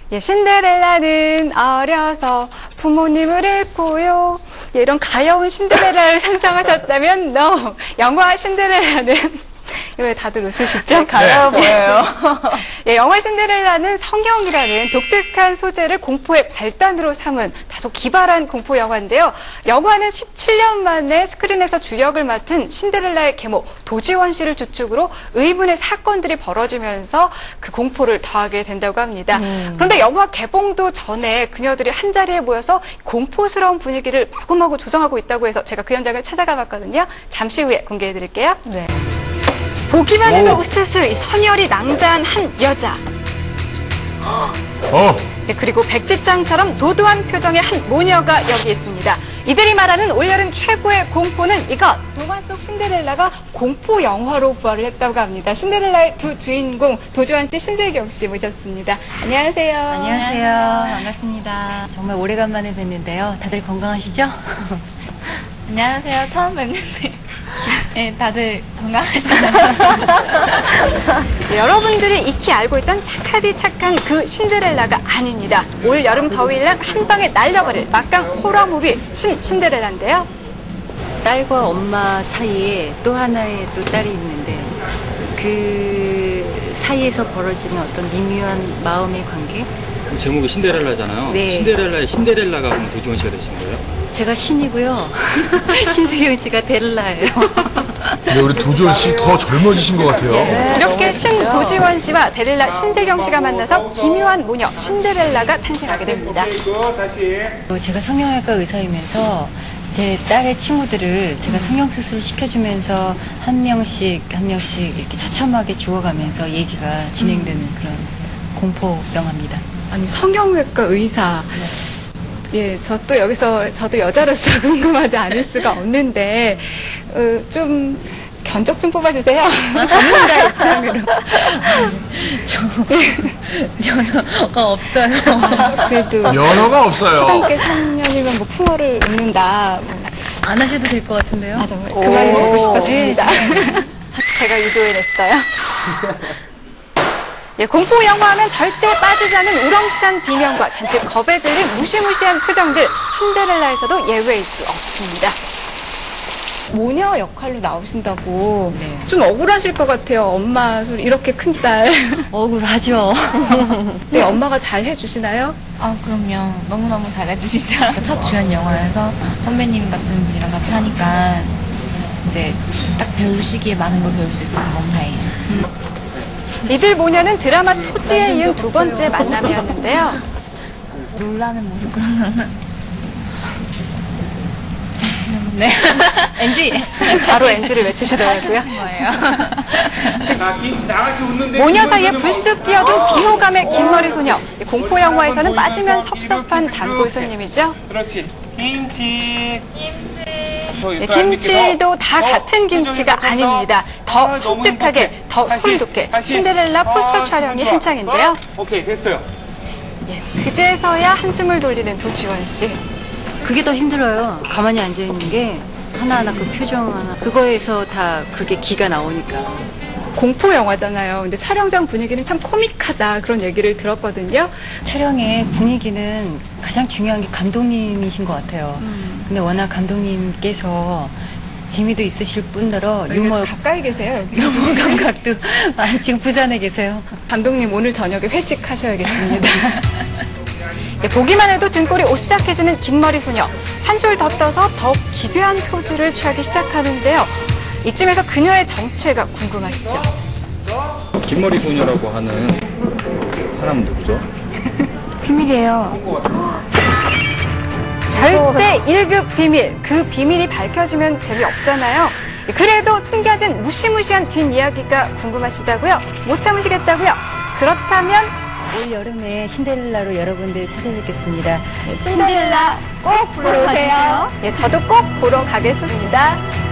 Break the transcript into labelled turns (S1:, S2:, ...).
S1: 예, 신데렐라는 어려서 부모님을 잃고요. 예, 이런 가여운 신데렐라를 상상하셨다면 no. 영화 신데렐라는 왜 다들 웃으시죠?
S2: 가여워 보여요.
S1: 예, 영화 신데렐라는 성형이라는 독특한 소재를 공포의 발단으로 삼은 다소 기발한 공포 영화인데요. 영화는 17년 만에 스크린에서 주역을 맡은 신데렐라의 계모 도지원 씨를 주축으로 의문의 사건들이 벌어지면서 그 공포를 더하게 된다고 합니다. 그런데 영화 개봉도 전에 그녀들이 한자리에 모여서 공포스러운 분위기를 마구마구 조성하고 있다고 해서 제가 그 현장을 찾아가 봤거든요. 잠시 후에 공개해 드릴게요.
S2: 네.
S1: 보기만 해도 우스스 이 선열이 낭자한 한 여자. 네, 그리고 백지장처럼 도도한 표정의 한 모녀가 여기 있습니다. 이들이 말하는 올여름 최고의 공포는 이것. 동화 속 신데렐라가 공포 영화로 부활을 했다고 합니다. 신데렐라의 두 주인공 도주환 씨, 신세경 씨 모셨습니다. 안녕하세요.
S3: 안녕하세요. 반갑습니다. 정말 오래간만에 뵀는데요. 다들 건강하시죠?
S4: 안녕하세요. 처음 뵙는데 네, 다들 건강하시죠?
S1: 네, 여러분들이 익히 알고 있던 착하디 착한 그 신데렐라가 아닙니다. 올 여름 더위를 한 방에 날려버릴 막강 호러 무비 신데렐라인데요.
S3: 딸과 엄마 사이에 또 하나의 또 딸이 있는데 그 사이에서 벌어지는 어떤 미묘한 마음의 관계?
S5: 제목이 신데렐라잖아요.
S3: 네.
S5: 신데렐라의 신데렐라가 그럼 도지원 씨가 되신 거예요?
S3: 제가 신이고요. 신세경 씨가 데렐라예요.
S6: 근데 우리 도지원 씨 더 젊어지신 것 같아요.
S3: 네,
S1: 이렇게 신도지원 씨와 데렐라 신세경 씨가 만나서 기묘한 모녀 신데렐라가 탄생하게 됩니다.
S3: 제가 성형외과 의사이면서 제 딸의 친구들을 제가 성형수술을 시켜주면서 한 명씩 이렇게 처참하게 죽어가면서 얘기가 진행되는 그런 공포 영화입니다.
S1: 아니, 성형외과 의사. 예, 저도 여자로서 궁금하지 않을 수가 없는데, 좀, 견적 좀 뽑아주세요. 전문가 입장으로.
S3: 면허가 없어요.
S1: 그래도.
S6: 면허가 없어요.
S1: 초등학교 3년이면 뭐 풍어를 읽는다.
S3: 안 하셔도 될 것 같은데요?
S1: 아, 정말. 그 말이 듣고 싶었습니다.
S3: 네,
S1: 제가 유도해냈어요. 예, 공포 영화하면 절대 빠지지 않는 우렁찬 비명과 잔뜩 겁에 질린 무시무시한 표정들, 신데렐라에서도 예외일 수 없습니다. 모녀 역할로 나오신다고
S3: 네.
S1: 좀 억울하실 것 같아요. 엄마 소리 이렇게 큰 딸.
S3: 억울하죠.
S1: 네, 엄마가 잘 해주시나요?
S4: 아, 그럼요. 너무너무 잘해주시죠. 첫 주연 영화여서 선배님 같은 분이랑 같이 하니까 이제 딱 배울 시기에 많은 걸 배울 수 있어서 너무 다행이죠.
S1: 이들 모녀는 드라마 토지에 이은 두 번째 만남이었는데요.
S4: 놀라는 모습 그런 사람은 네.
S3: NG.
S1: 바로 NG를 외치시더라고요.
S4: 하신 거예요.
S1: 모녀 사이에 불쑥 끼어든 비호감의 긴 머리 소녀. 공포 영화에서는 빠지면 섭섭한 단골 손님이죠.
S7: 그렇지. 김치.
S1: 예, 김치도 다 같은 김치가 아닙니다. 더 섬뜩하게, 더 소리돋게 신데렐라 포스터 촬영이 한창인데요.
S7: 오케이, 됐어요.
S1: 예, 그제서야 한숨을 돌리는 도지원 씨.
S3: 그게 더 힘들어요. 가만히 앉아있는 게 하나하나 그 표정 하나 그거에서 다 그게 기가 나오니까.
S1: 공포 영화잖아요. 근데 촬영장 분위기는 참 코믹하다 그런 얘기를 들었거든요.
S3: 촬영의 분위기는 가장 중요한 게 감독님이신 것 같아요. 근데 워낙 감독님께서 재미도 있으실 뿐더러 유머
S1: 가까이 계세요.
S3: 유머 감각도 많이 지금 부산에 계세요.
S1: 감독님 오늘 저녁에 회식하셔야겠습니다. 예, 보기만 해도 등골이 오싹해지는 긴 머리 소녀. 한술 더 떠서 더욱 기괴한 포즈를 취하기 시작하는데요. 이쯤에서 그녀의 정체가 궁금하시죠?
S5: 긴머리 소녀라고 하는 사람은 누구죠?
S1: 비밀이에요. 절대 1급 비밀. 그 비밀이 밝혀지면 재미없잖아요. 그래도 숨겨진 무시무시한 뒷이야기가 궁금하시다고요? 못 참으시겠다고요? 그렇다면
S3: 올 여름에 신데렐라로 여러분들 찾아뵙겠습니다.
S1: 신데렐라 꼭 보러 오세요. 예, 저도 꼭 보러 가겠습니다.